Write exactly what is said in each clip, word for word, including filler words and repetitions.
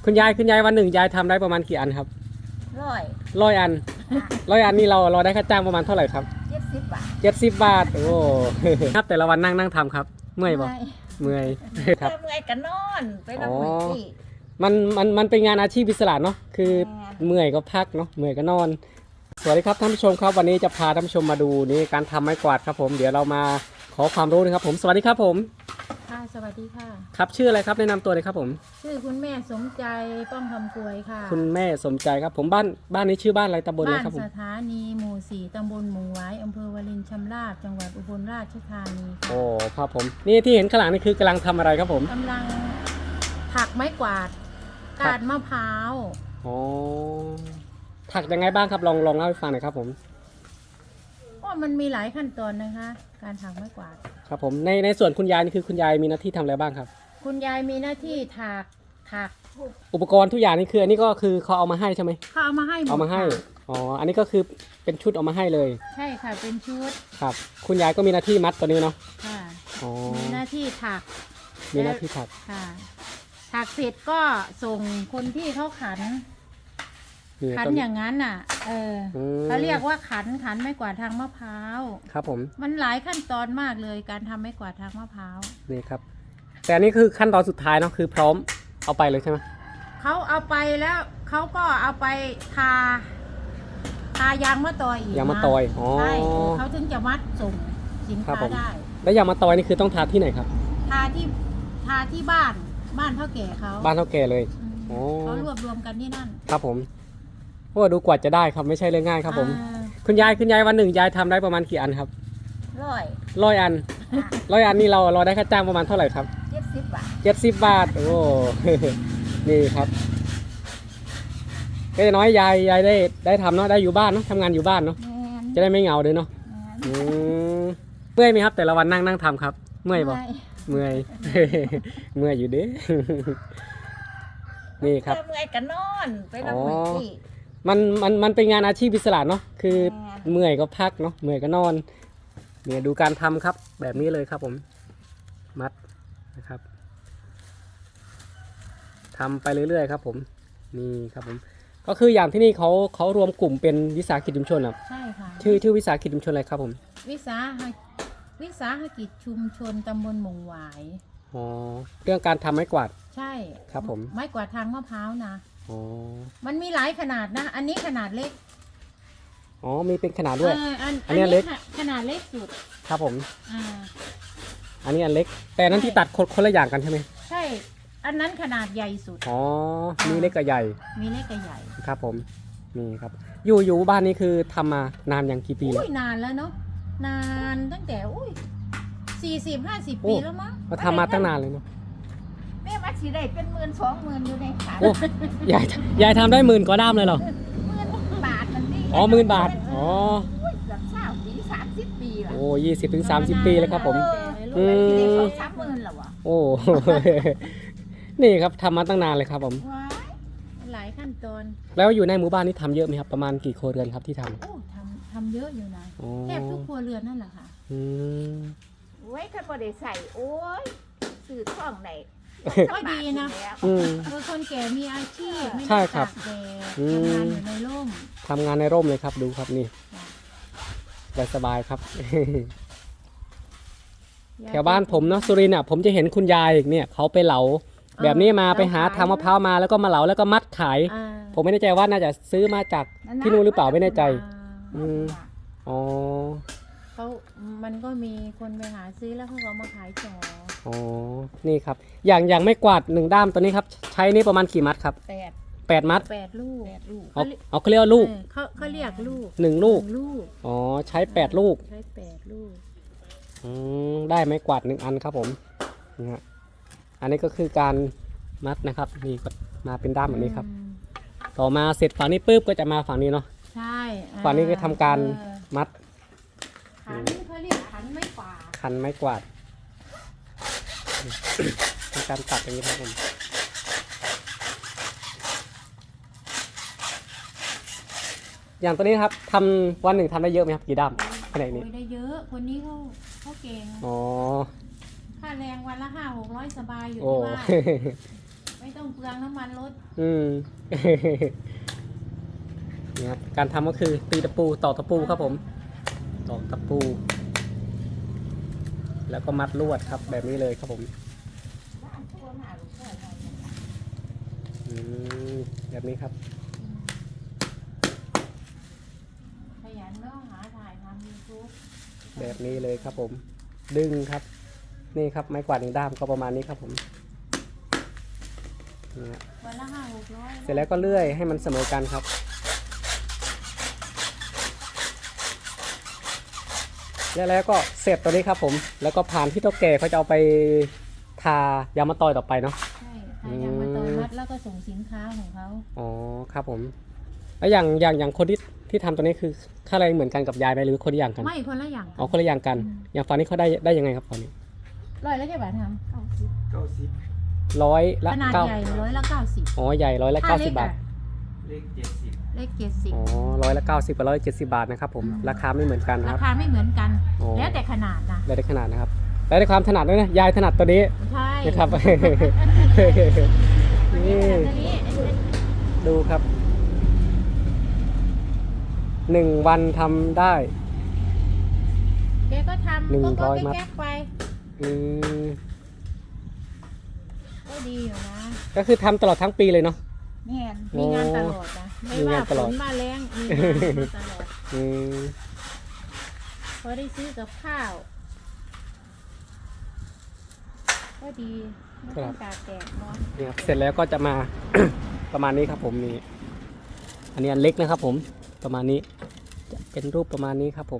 คุณยายคุณยายวันหนึ่งยายทำได้ประมาณกี่อันครับร้อยร้อยอันร้อยอันนี่เราเราได้ค่าจ้างประมาณเท่าไหร่ครับเจ็ดสิบบาทเจ็ดสิบบาทโอ้ครับแต่ละวันนั่งนั่งทำครับเมื่อยบ่เมื่อยครับเมื่อยกันนอนไปนอนที่มันมันมันเป็นงานอาชีพอิสระเนาะคือเมื่อยก็พักเนาะเมื่อยก็นอนสวัสดีครับท่านผู้ชมครับวันนี้จะพาท่านผู้ชมมาดูนี่การทำไม้กวาดครับผมเดี๋ยวเรามาขอความรู้นะครับผมสวัสดีครับผมค่ะสวัสดีค่ะครับชื่ออะไรครับแนะนำตัวเลยครับผมชื่อคุณแม่สมใจป้องคำกวยค่ะคุณแม่สมใจครับผมบ้านบ้านนี้ชื่อบ้านอะไรตำบลอะไรครับผมบ้านสถานีหมู่สี่ตำบลหมู่ไว้อำเภอวารินชำราบจังหวัดอุบลราชธานีค่ะโอ้ครับผมนี่ที่เห็นข้างหลังนี่คือกำลังทำอะไรครับผมกำลังถักไม้กวาดกาดมะพร้าวอ๋อถักยังไงบ้างครับลองลองเล่าให้ฟังหน่อยครับผมก็มันมีหลายขั้นตอนนะคะการถักไม้กวาดครับผมในในส่วนคุณยายนี่คือคุณยายมีหน้าที่ทำอะไรบ้างครับคุณยายมีหน้าที่ถักถักอุปกรณ์ทุกอย่างนี่คืออันนี้ก็คือเขาเอามาให้ใช่ไหมเขาเอามาให้เอามาให้อ๋ออันนี้ก็คือเป็นชุดเอามาให้เลยใช่ค่ะเป็นชุดครับคุณยายก็มีหน้าที่มัดตัวนี้เนาะค่ะอ๋อมีหน้าที่ถักมีหน้าที่ถักค่ะถักเสร็จก็ส่งคนที่เขาขันขันอย่างนั้นน่ะเออเขาเรียกว่าขันขันไม้กวาดทางมะพร้าวครับผมมันหลายขั้นตอนมากเลยการทำไม้กวาดทางมะพร้าวนี่ครับแต่อันนี้คือขั้นตอนสุดท้ายเนาะคือพร้อมเอาไปเลยใช่ไหมเขาเอาไปแล้วเขาก็เอาไปทาทายางมะตอยอีกยางมะตอยอ๋อใช่เขาถึงจะมัดส่งสินค้าได้แล้วยางมะตอยนี่คือต้องทาที่ไหนครับทาที่ทาที่บ้านบ้านเท่าแก่เขาบ้านเท่าแก่เลยอ๋อเขารวบรวมกันที่นั่นครับผมโอ้ดูกว่าจะได้ครับไม่ใช่เรื่องง่ายครับผมคุณยายคุณยายวันหนึ่งยายทำได้ประมาณกี่อันครับร้อยร้อยอันร้อยอันนี่เราเราได้ค่าจ้างประมาณเท่าไหร่ครับเจ็ดสิบบาทเจ็ดสิบบาทโอ้นี่ครับก็น้อยยายยายได้ได้ทำเนาะได้อยู่บ้านเนาะทำงานอยู่บ้านเนาะจะได้ไม่เหงาเลยเนาะเมื่อยไหมครับแต่ละวันนั่งนั่งทำครับเมื่อยบ่เมื่อยเมื่อยอยู่เด้นี่ครับเมื่อยกันนอนไปนอนที่มันมันมันเป็นงานอาชีพอิสระเนาะคือเมื่อยก็พักเนาะเมื่อยก็นอนเนี่ยดูการทำครับแบบนี้เลยครับผมมัดนะครับทำไปเรื่อยๆครับผมนี่ครับผมก็คืออย่างที่นี่เขาเขารวมกลุ่มเป็นวิสาหกิจชุมชนครับใช่ค่ะชื่อชื่อวิสาหกิจชุมชนอะไรครับผมวิสาหวิสาหกิจชุมชนตำบลหมู่หวายอ๋อเรื่องการทำไม้กวาดใช่ครับผมไม้กวาดทางมะพร้าวนะอ๋อมันมีหลายขนาดนะอันนี้ขนาดเล็กอ๋อมีเป็นขนาดด้วยอันอันนี้เล็กขนาดเล็กสุดครับผมอ่าอันนี้อันเล็กแต่นั้นที่ตัดคนคนละอย่างกันใช่ไหมใช่อันนั้นขนาดใหญ่สุดอ๋อมีเล็กกับใหญ่มีเล็กกับใหญ่ครับผมนี่ครับอยู่อยู่บ้านนี้คือทำมานานอย่างกี่ปีแล้วนานแล้วเนาะนานตั้งแต่อุ้ยสี่สิบห้าสิบปีแล้วมั้งก็ทำมาตั้งนานเลยเนาะแม่วัดสีได้เป็นหมื่นสองหมื่นอยู่ในขาโอ้ยายยายทำได้หมื่นกว่าด้ามเลยเหรอหมื่นบาทมันนี่อ๋อหมื่นบาทอ๋อเกือบสามปีสามสิบปีละโอ้ยี่สิบถึงสามสิบปีเลยครับผมอืมสามหมื่นหรอวะโอ้นี่ครับทำมาตั้งนานเลยครับผมหลายขั้นตอนแล้วอยู่ในหมู่บ้านนี่ทำเยอะไหมครับประมาณกี่ครัวเรือนครับที่ทำโอ้ทำทำเยอะอยู่นะแทบทุกครัวเรือนนั่นแหละค่ะอืมไว้ถ้าพอได้ใส่โอ้ยสื่อท่องไหนก็ดีนะคือคนแก่มีอาชีพไม่ใช่ครับทำงานอยู่ในร่มทำงานในร่มเลยครับดูครับนี่สบายครับแถวบ้านผมเนาะสุรินทร์อ่ะผมจะเห็นคุณยายเนี่ยเขาไปเหลาแบบนี้มาไปหาทางมะพร้าวมาแล้วก็มาเหลาแล้วก็มัดขายผมไม่แน่ใจว่าน่าจะซื้อมาจากที่นู่นหรือเปล่าไม่แน่ใจอืมอ๋อเขามันก็มีคนไปหาซื้อแล้วเขาก็มาขายต่ออ๋อนี่ครับอย่างอย่างไม่กวาดหนึ่งด้ามตัวนี้ครับใช้นี่ประมาณกี่มัดครับแปดแปดมัดแปดลูกเอาเอาเขาเรียกว่าลูกเขาเขาเรียกลูกหนึ่งลูกอ๋อใช้แปดลูกใช้แปดลูกอืมได้ไม้กวาดหนึ่งอันครับผมนะฮะอันนี้ก็คือการมัดนะครับนี่ก็มาเป็นด้ามแบบนี้ครับต่อมาเสร็จฝั่งนี้ปุ๊บก็จะมาฝั่งนี้เนาะใช่ฝั่งนี้ก็ทำการมัดขันเขาเรียกขันไม้กวาดขันไม้กวาดเป็นการตัดอย่างนี้ครับผมอย่างตัวนี้ครับทำวันหนึ่งทำได้เยอะไหมครับกี่ด้ามขนาดนี้ได้เยอะคนนี้เขาเขาเก่งอ๋อค่าแรงวันละห้าหกร้อยสบายอยู่ที่บ้านไปไม่ต้องเปลืองน้ำมันรถอืม เนี่ยครับการทำก็คือตีตะปูตอกตะปูครับผมตอกตะปู แล้วก็มัดลวดครับแบบนี้เลยครับผมอืมแบบนี้ครับขยันเนาะหาถ่ายทำยูทูบแบบนี้เลยครับผม ดึงครับ นี่ครับไม้กวาดหนึ่งด้ามก็ประมาณนี้ครับผมนี่ฮะวันละห้าหกร้อยเสร็จแล้วก็เลื่อยให้มันเสมอกันครับ แล้วแล้วก็เสร็จตัวนี้ครับผม แล้วก็ผ่านที่เท่าแก่เขาจะเอาไปทายางมะตอยต่อไปเนาะใช่ทายางมาตอยมัดแล้วก็ส่งสินค้าของเขาอ๋อครับผม แล้วอย่างอย่างอย่างคนที่ที่ทำตัวนี้คือค่าแรงเหมือนกันกับยายไหมหรือคนละอย่างกันไม่คนละอย่างอ๋อคนละอย่างกัน อย่างฝั่งนี้เขาได้ได้ยังไงครับฝั่งนี้ร้อยละกี่บาททเก้าสิบเก้าสิบร้อยำละขนาดเก้าใหญ่ร้อยละเก้าสิบอ๋อใหญ่ร้อยละเก้าสิบบาทเลขเจ็ดสิบเลขเจ็ดสิบอ๋อร้อยละเก้าสิบกับร้อยเจ็ดสิบบาทนะครับผม ราคาไม่เหมือนกันนะราครับคาไม่เหมือนกันอ๋อแล้วแต่ขนาดนะแล้วได้ขนาดนะครับ แล้วได้ความถนัดด้วยนะ ยายถนัดตัวนี้ใช่นะครับอันนี้นี่ขนาดนี้ดูครับ หนึ่งวันทำได้แกก็ทำหนึ่งก็ร้ก็อยมัดแก๊กๆไปอืมก็ดีอยู่นะก็คือทำตลอดทั้งปีเลยเนาะแม่นมีงานตลอดนะ ไม่มีว่างานตฝลอดนว่าแรงมีงานมาตลอดอืมพอได้ซื้อกับข้าว ก็ดีไม่ต้องตากแดดร้อนเนี่ยครับเสร็จแล้วก็จะมา ประมาณนี้ครับผมนี่ อันนี้อันเล็กนะครับผม ประมาณนี้ จะเป็นรูปประมาณนี้ครับผม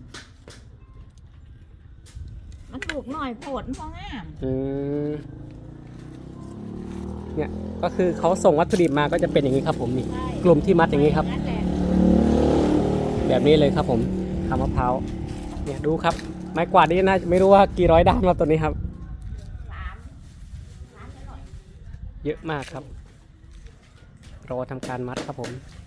มันถูกหน่อยโผดพองามอืมเนี่ยก็คือเขาส่งวัตถุดิบมาก็จะเป็นอย่างนี้ครับผมนี่ใช่กลุ่มที่มัดอย่างนี้ครับนั่นแหละแบบนี้เลยครับผมทำมะพร้าวเนี่ยดูครับ ไม้กวาดนี่น่าไม่รู้ว่ากี่ร้อยด้ามครับตัวนี้ครับสามสามจะหน่อยเยอะมากครับ รอทำการมัดครับผม